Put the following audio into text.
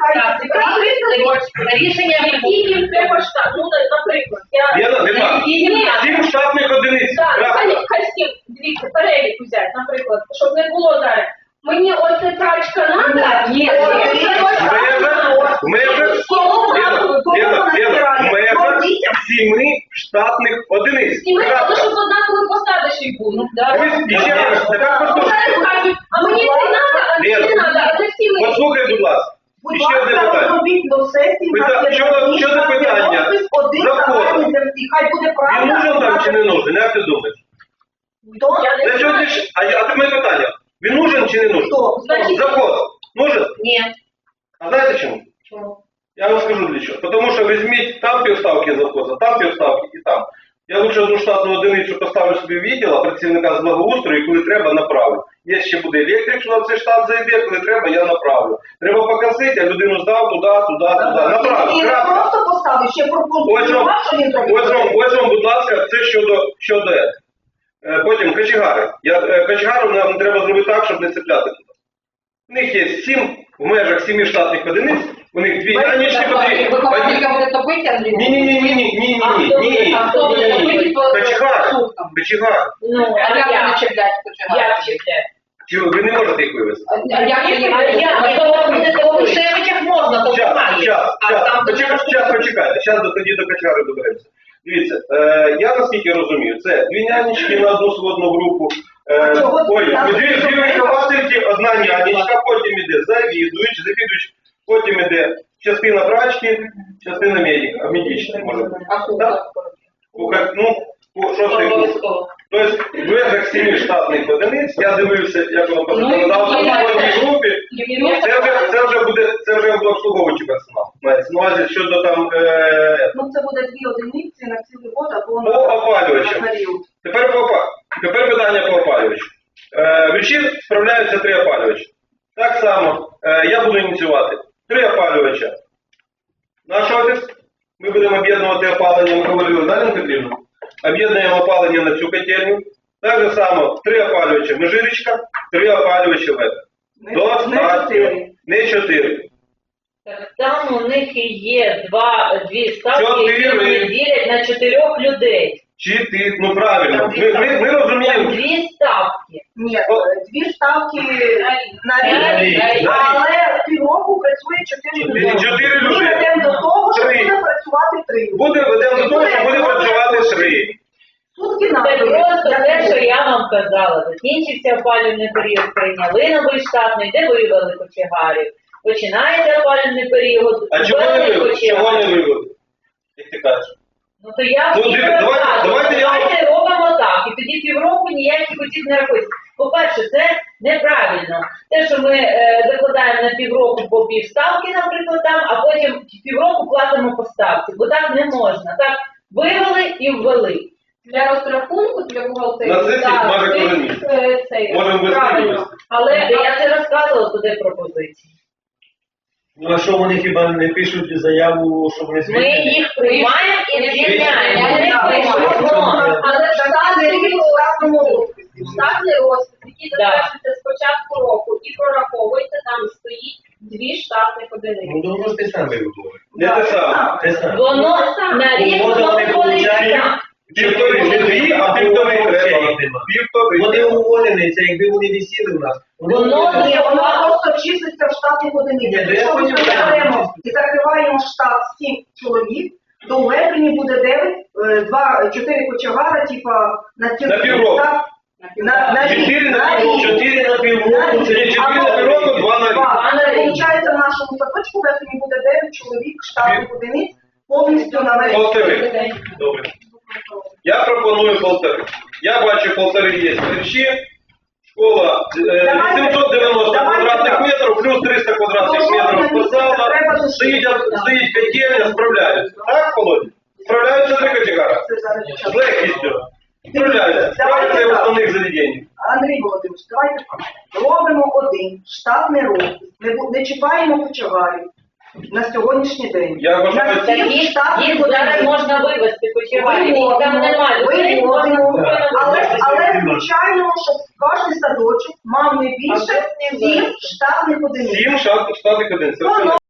Рішення, які їм треба штат. Ну, наприклад, Сім штатних одиниць. Хай всім, дивіться, перелік взяти, наприклад, щоб не було зараз. Мені оце прачка треба, В межах 7 штатних одиниць. але щоб однакові посади ще й були. А мені це треба, а мені не треба, а не всі ми. Послухай, будь ласка. Ще одне питання. Що за питання? Закон. Він нужен там чи не нужен? Як ти думаєш? А ти мене питання. Він нужен чи не нужен? Закон. Нужен? Ні. А знаєте чому? Чому? Я вам скажу для чого. Тому що візьміть там півставки завхоза, там півставки і там. Я лучше одну штатну одиницю поставлю собі в відділ, а працівника з благоустрою, і коли треба, направлю. Є ще буде електрик, що на цей штат зайде, коли треба, я направлю. Треба покосити, а людину здав туди. Направлю. І не просто поставив, ще проконтролював, що він робить. Ось вам, будь ласка, це щодо этого. Потім кочегари. Кочегару нам треба зробити так, щоб не цепляти туди. У них є 7, в межах 7 штатних одиниць, у них 2 нянечки потрібні. Ні. Кочегар. Ну, а як не чіпляти кочегар? Як чіпляти? Чого, ви не можете їх вивезти? А як у Шевичах можна, то Почекайте. Зараз тоді до кочегари доберемося. Дивіться, я наскільки розумію, це 2 нянечки на одну сводну групу, дві виховательки, одна нянечка, потім іде завідувач, потім іде частина прачки, частина медична, може бути. Шостий курс. Тобто, в межах 7 штатних одиниць, я дивився, як воно по законодавству в кожній групі, це вже буде обслуговуючий персонал. Мається на увазі щодо там... Це буде 2 одиниці на цілий год, або на період. Тепер питання по опалювачу. Вечір справляються 3 опалювачі. Так само, я буду ініціювати 3 опалювача. Наш офіс, ми будемо об'єднувати опалення, ми говорили, Наліна Петрівна, об'єднуємо опалення на цю котельню. Так же само 3 опалювача Межирічка, 3 опалювача ВЕД. Достатньо. Не 4. Так там у них і є 2 ставки, які вони ділять на 4 людей. Ну правильно, ми розуміємо. 2 ставки. Ні, 2 ставки на рік, але півроку працює 4 люди. 4 люди. Ми ведемо до того, що буде працювати 3. Ведемо до того, що буде працювати 3. Це просто те, що я вам казала. Закінчився опалювальний період, прийняли новий штатний, де вивели кочегарів. Починається опалювальний період, а чого не вивели? Як ти кажеш? Ну то я давайте робимо так, і тоді півроку ніяких осіб не рахується. По-перше, це неправильно. Те, що ми закладаємо на півроку по півставки, наприклад, там, а потім півроку платимо по ставці, бо так не можна. Так вивели і ввели. Для розрахунку, для бухгалтерії. На сесії може кожен місяць. Можемо вести. Але я це розказувала туди пропозиції. Ну а що вони хіба не пишуть заяву, що вони звільнені? Ми їх приймаємо і звільняємо. Вони пишуть. Але штатний розпис, який затверджується з початку року і прораховується, там стоїть 2 штатних одиниці. Ну, воно ж те саме виходить. Не те саме. Воно на рік воно виходить так. Півтори, не 2, а півтори треба. Вони уволені, це якби вони висіли в нас. Воно просто числиться в штатних одиницях. Якщо ми беремо і закриваємо штат 7 чоловік, то у Лебені буде 9, 4 кочегара, типа на півроку. На 4 на півроку, це 4 на півроку, 2 на рік. Получається, в нашому садочку в Лебені буде 9 чоловік штатних одиниць повністю на весь. Полтори. Добре. Я пропоную 1,5. Я бачу 1,5 є мережі, школа 890 квадратних метрів, плюс 300 квадратних метрів спортзала, стоїть котельня, справляються. Так, Володя? Справляються 3 категорії? З легкістю. Справляються. Справляються і в основних заведеннях. Андрій Володимирович, давайте робимо один штатний розпис. Не чіпаємо кочегарів. На сьогоднішній день. Я вважаю, їх зараз можна вивезти кочегарів, там немає людей, але звичайно, щоб кожен садочок мав не більше 7 штатних одиниць. 7 штатних одиниць.